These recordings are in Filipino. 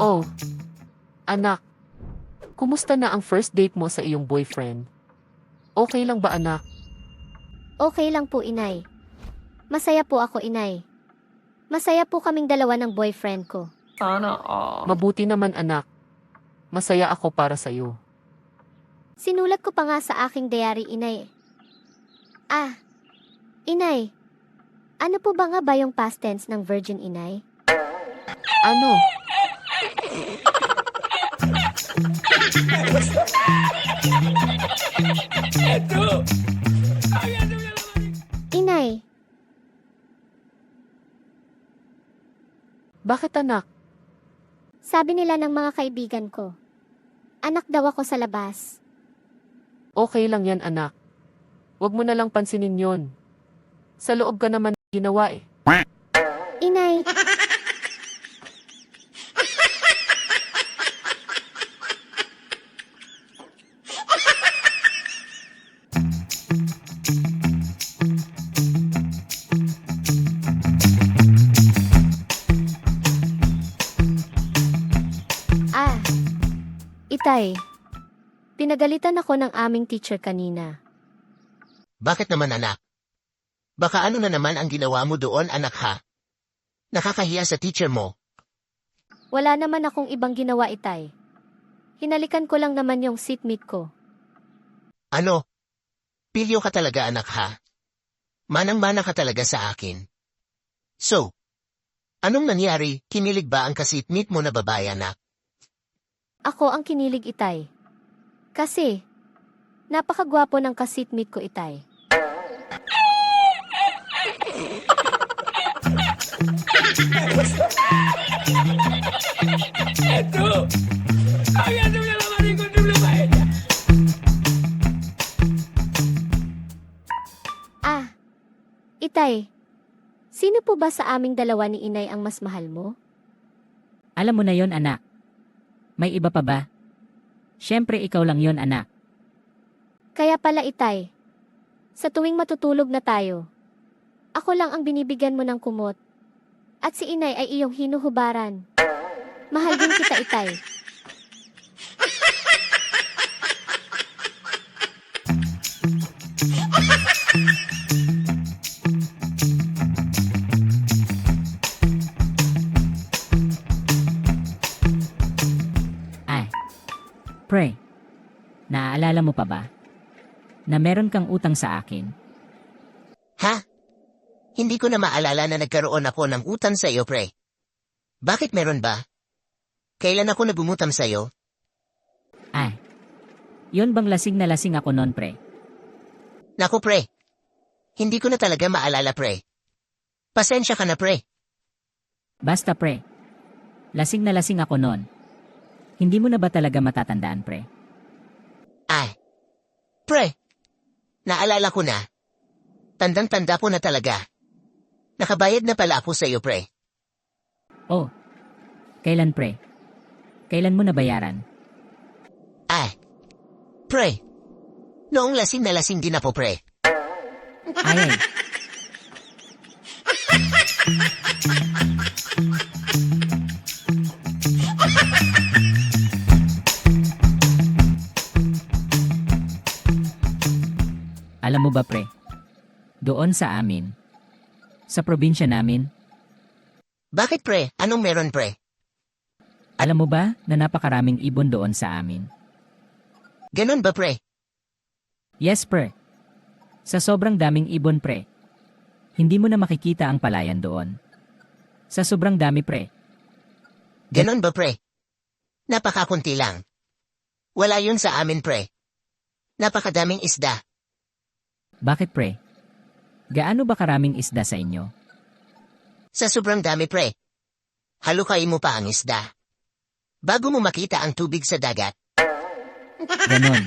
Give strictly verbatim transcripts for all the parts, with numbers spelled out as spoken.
Oh, anak. Kumusta na ang first date mo sa iyong boyfriend? Okay lang ba anak? Okay lang po, inay. Masaya po ako, inay. Masaya po kaming dalawa ng boyfriend ko. Sana all. Mabuti naman anak. Masaya ako para sa iyo. Sinulat ko pa nga sa aking diary, inay. Ah, inay. Ano po ba nga ba yung past tense ng virgin, inay? Ano? Inay, Bakit anak? sabi nila ng mga kaibigan ko. Anak daw ako sa labas. Okay lang yan anak. Huwag mo na lang pansinin yon. Sa loob ka naman ginawa eh. Inay, ah, itay. Pinagalitan ako ng aming teacher kanina. Bakit naman anak? Baka ano na naman ang ginawa mo doon anak ha? Nakakahiya sa teacher mo. Wala naman akong ibang ginawa, itay. Hinalikan ko lang naman yung seatmate ko. Ano? Pilyo ka talaga anak ha? Manang-mana ka talaga sa akin. So, anong nangyari? Kinilig ba ang kasitmate mo na babae anak? Ako ang kinilig, itay. Kasi, napakagwapo ng kasitmate ko, itay. Ah, itay. Sino po ba sa aming dalawa ni inay ang mas mahal mo? Alam mo na yon anak. May iba pa ba? Siyempre ikaw lang yon anak. Kaya pala, itay. Sa tuwing matutulog na tayo, ako lang ang binibigyan mo ng kumot. At si inay ay iyong hinuhubaran. Mahal din kita, itay. Ay. Pre. Naaalala mo pa ba? Na meron kang utang sa akin. Ha? Hindi ko na maalala na nagkaroon ako ng utang sa iyo pre. Bakit meron ba? Kailan ako nabumutam sa iyo? Ay. Yon bang lasing na lasing ako noon pre? Naku pre. Hindi ko na talaga maalala pre. Pasensya ka na pre. Basta pre. Lasing na lasing ako noon. Hindi mo na ba talaga matatandaan pre? Ay. Pre. Naalala ko na. Tandang-tanda ko na talaga. Nakabayad na pala ako sa iyo, pre. Oh. Kailan pre? Kailan mo nabayaran? Ay. Pre. Noong lasing na lasing din ako, pre. Ay ay. Alam mo ba pre? Doon sa amin. Sa probinsya namin, Bakit, pre? Anong meron, pre? alam mo ba na napakaraming ibon doon sa amin? Ganon ba, pre? Yes pre. Sa sobrang daming ibon pre. Hindi mo na makikita ang palayan doon. Sa sobrang dami pre. Ganon ba, pre? Napakakunti lang. Wala yun sa amin, pre. Napakadaming isda. Bakit pre? Gaano ba karaming isda sa inyo? Sa sobrang dami, pre. Halukain mo pa ang isda. Bago mo makita ang tubig sa dagat. Ganon.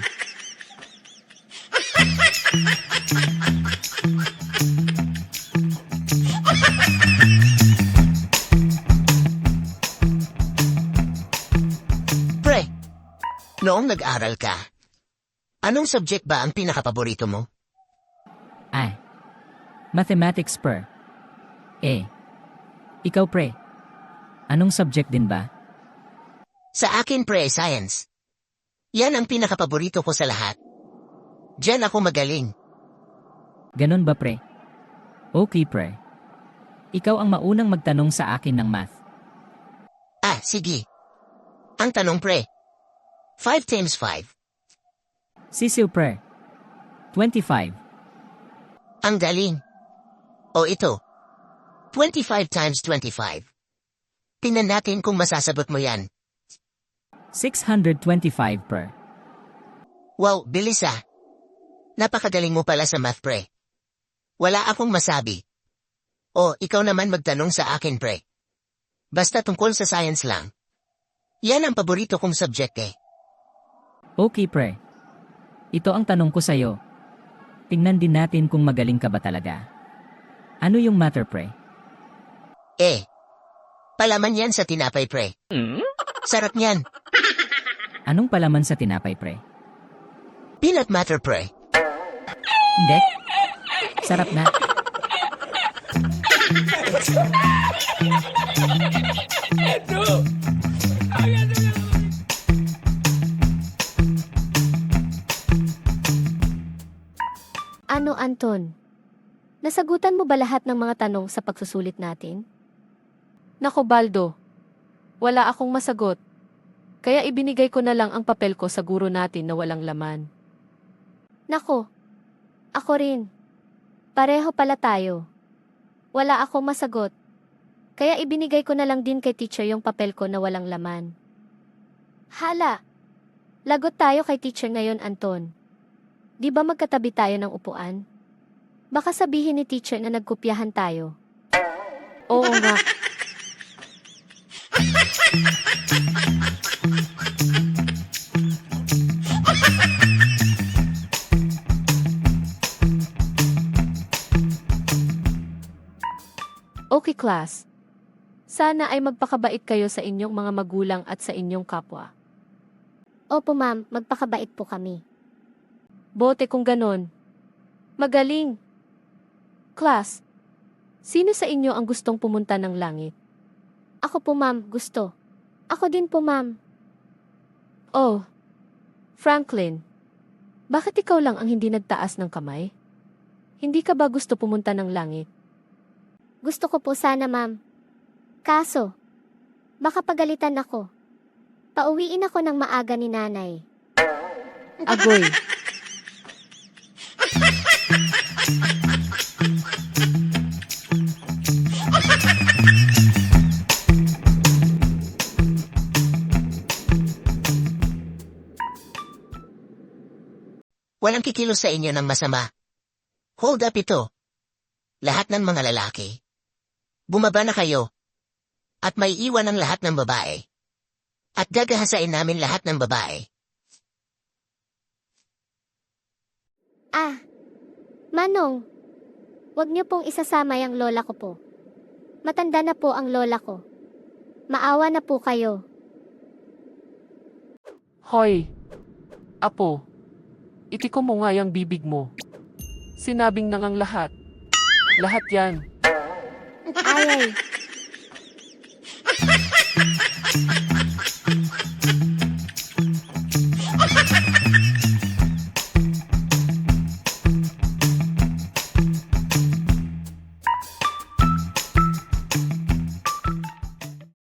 Pre, noong nag-aral ka, anong subject ba ang pinakapaborito mo? Ay. Mathematics per. Eh. Ikaw pre. Anong subject din ba? Sa akin pre, science. Yan ang pinakapaborito ko sa lahat. Diyan ako magaling. Ganon ba pre? Okay pre. Ikaw ang maunang magtanong sa akin ng math. Ah, sige. Ang tanong pre. five times five. Sisil pre. twenty-five. Ang galing. O ito. twenty-five times twenty-five. Tingnan natin kung masasagot mo yan. six hundred twenty-five pre. Wow, bilis ah. Napakagaling mo pala sa math pre. Wala akong masabi. O, ikaw naman magtanong sa akin pre. Basta tungkol sa science lang. Yan ang paborito kong subject eh. Okay pre. Ito ang tanong ko sa'yo. Tingnan din natin kung magaling ka ba talaga. Ano yung matter pre? Eh. Palaman yan sa tinapay pre. Sarap niyan. Anong palaman sa tinapay pre? Peanut butter pre. Hindi. Sarap na. Ano, Anton? Nasagutan mo ba lahat ng mga tanong sa pagsusulit natin? Nako Baldo, wala akong masagot. Kaya ibinigay ko na lang ang papel ko sa guro natin na walang laman. Nako, ako rin. Pareho pala tayo. Wala akong masagot. Kaya ibinigay ko na lang din kay teacher yung papel ko na walang laman. Hala! Lagot tayo kay teacher ngayon, Anton. Di ba magkatabi tayo ng upuan? Baka sabihin ni teacher na nagkopyahan tayo. Oo nga. Okay class. Sana ay magpakabait kayo sa inyong mga magulang at sa inyong kapwa. Opo ma'am, magpakabait po kami. Bote kung ganon. Magaling. Class, sino sa inyo ang gustong pumunta ng langit? Ako po ma'am, gusto. Ako din po ma'am. Oh, Franklin, bakit ikaw lang ang hindi nagtaas ng kamay? Hindi ka ba gusto pumunta ng langit? Gusto ko po sana ma'am. Kaso, baka pagalitan ako. Pauwiin ako ng maaga ni nanay. Agoy. Walang kikilos sa inyo ng masama. Hold up ito. Lahat ng mga lalaki. Bumaba na kayo. At may iwan ang lahat ng babae. At gagahasain namin lahat ng babae. Ah, Manong, wag niyo pong isasama yung lola ko po. Matanda na po ang lola ko. Maawa na po kayo. Hoy, Apo, itiko mo nga yung bibig mo. Sinabing nang ang lahat. Lahat yan. Ay, ay.